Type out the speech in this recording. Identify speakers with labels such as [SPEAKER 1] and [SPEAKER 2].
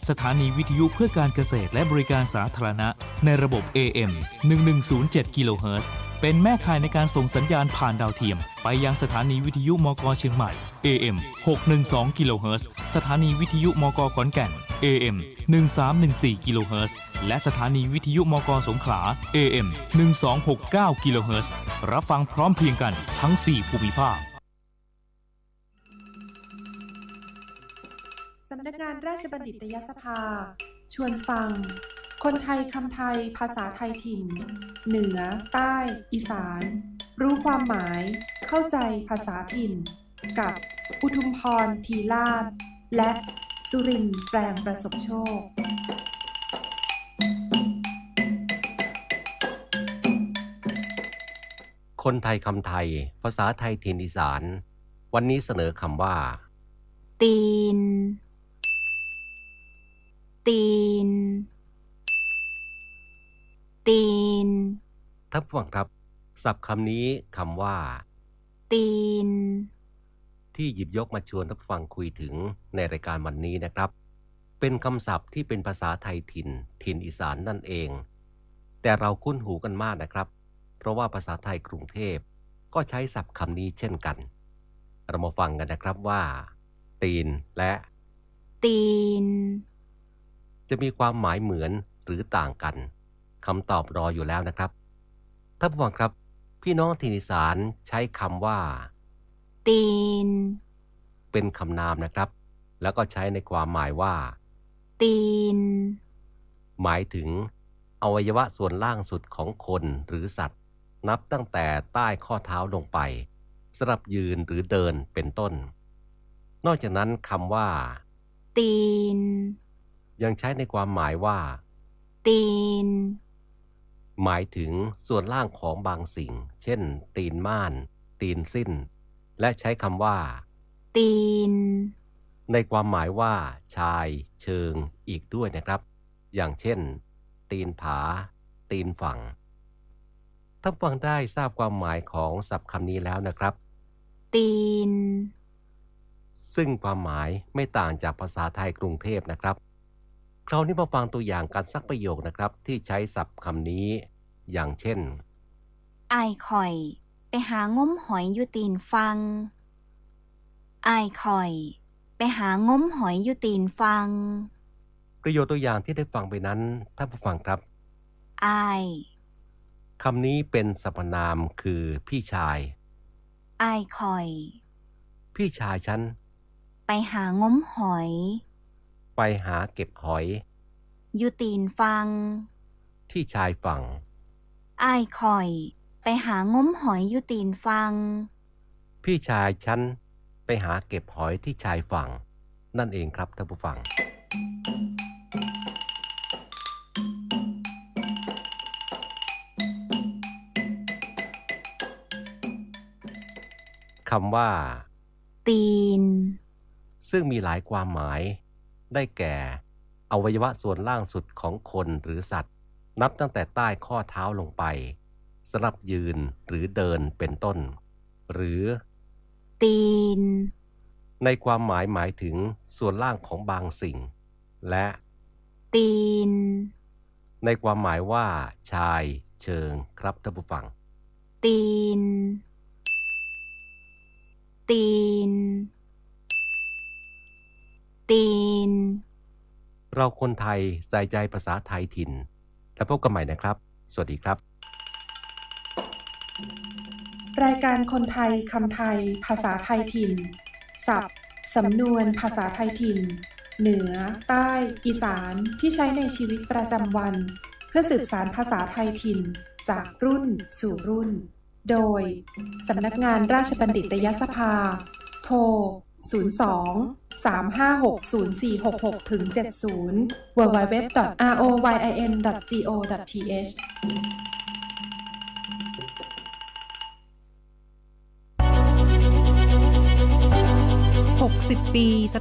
[SPEAKER 1] สถานีวิทยุเพื่อการเกษตรและบริการสาธารณะในระบบ AM 1107 กิโลเฮิรตซ์เป็นแม่ข่ายในการส่งสัญญาณผ่านดาวเทียมไปยังสถานีวิทยุมก.เชียงใหม่ AM 612 กิโลเฮิรตซ์สถานีวิทยุมก.ขอนแก่น AM 1314 กิโลเฮิรตซ์และสถานีวิทยุมก.สงขลา AM 1269 กิโลเฮิรตซ์รับฟังพร้อมเพรียงกันทั้ง 4 ภูมิภาค
[SPEAKER 2] สำนักงานราชบัณฑิตยสภาชวนฟังคนไทยคำไทยภาษาไทยถิ่นเหนือใต้อีสานรู้ความหมายเข้าใจภาษาถิ่นกับอุทุมพรทีลาภและสุรินทร์แปลงประสบโชค
[SPEAKER 3] คนไทยคำไทยภาษาไทยถิ่นอีสานวันนี้เสนอคำว่า
[SPEAKER 4] ตีนตีนตีน
[SPEAKER 3] ท่านผู้ฟังครับศัพท์คำนี้คำว่า
[SPEAKER 4] ตีน
[SPEAKER 3] ที่หยิบยกมาชวนท่านผู้ฟังคุยถึงในรายการวันนี้นะครับเป็นคำศัพท์ที่เป็นภาษาไทยถิ่นอีสานนั่นเองแต่เราคุ้นหูกันมากนะครับเพราะว่าภาษาไทยกรุงเทพก็ใช้ศัพท์คำนี้เช่นกันเรามาฟังกันนะครับว่าตีนและ
[SPEAKER 4] ตีน
[SPEAKER 3] จะมีความหมายเหมือนหรือต่างกันคำตอบรออยู่แล้วนะครับท่านผู้ฟังครับพี่น้องถิ่นอีสานใช้คำว่า
[SPEAKER 4] ตีน
[SPEAKER 3] เป็นคำนามนะครับแล้วก็ใช้ในความหมายว่า
[SPEAKER 4] ตีน
[SPEAKER 3] หมายถึงอวัยวะส่วนล่างสุดของคนหรือสัตว์นับตั้งแต่ใต้ข้อเท้าลงไปสำหรับยืนหรือเดินเป็นต้นนอกจากนั้นคำว่า
[SPEAKER 4] ตีน
[SPEAKER 3] ยังใช้ในความหมายว่า
[SPEAKER 4] ตีน
[SPEAKER 3] หมายถึงส่วนล่างของบางสิ่งเช่นตีนม่านตีนสิ้นและใช้คำว่า
[SPEAKER 4] ตีน
[SPEAKER 3] ในความหมายว่าชายเชิงอีกด้วยนะครับอย่างเช่นตีนผาตีนฝั่งท่านฟังได้ทราบความหมายของศัพท์คำนี้แล้วนะครับ
[SPEAKER 4] ตีน
[SPEAKER 3] ซึ่งความหมายไม่ต่างจากภาษาไทยกรุงเทพนะครับคราวนี้มาฟังตัวอย่างกันสักประโยคนะครับที่ใช้ศัพท์คำนี้อย่างเช่น
[SPEAKER 4] อ้ายข่อยไปหางมหอยอยู่ตีนฟังอ้ายข่อยไปหางมหอยอยู่ตีนฟัง
[SPEAKER 3] ประโยคตัวอย่างที่ได้ฟังไปนั้นท่านผู้ฟังครับ
[SPEAKER 4] อ้าย
[SPEAKER 3] คำนี้เป็นสรรพนามคือพี่ชาย
[SPEAKER 4] อ้ายข่อย
[SPEAKER 3] พี่ชายฉัน
[SPEAKER 4] ไปหางมหอย
[SPEAKER 3] ไปหาเก็บหอย
[SPEAKER 4] อยู่ตีนฟัง
[SPEAKER 3] ที่ชายฝั่ง
[SPEAKER 4] อ้ายข่อยไปหางมหอยอยู่ตีนฟัง
[SPEAKER 3] พี่ชายฉันไปหาเก็บหอยที่ชายฝั่งนั่นเองครับท่านผู้ฟังคำว่า
[SPEAKER 4] ตีน
[SPEAKER 3] ซึ่งมีหลายความหมายได้แก่อวัยวะส่วนล่างสุดของคนหรือสัตว์นับตั้งแต่ใต้ข้อเท้าลงไปสำหรับยืนหรือเดินเป็นต้นหรือ
[SPEAKER 4] ตีน
[SPEAKER 3] ในความหมายหมายถึงส่วนล่างของบางสิ่งและ
[SPEAKER 4] ตีน
[SPEAKER 3] ในความหมายว่าชายเชิงครับท่านผู้ฟัง
[SPEAKER 4] ตีนตีนตีน
[SPEAKER 3] เราคนไทยใส่ใจภาษาไทยถิ่นแล้วพบกันใหม่นะครับสวัสดีครับ
[SPEAKER 2] รายการคนไทยคำไทยภาษาไทยถิ่นศัพท์สำนวนภาษาไทยถิ่นเหนือใต้อีสานที่ใช้ในชีวิตประจำวันเพื่อสืบสานภาษาไทยถิ่นจากรุ่นสู่รุ่นโดยสำนักงานราชบัณฑิตยสภาโทร02-356-0466-70 www.royin.go.th
[SPEAKER 5] 60 ปีส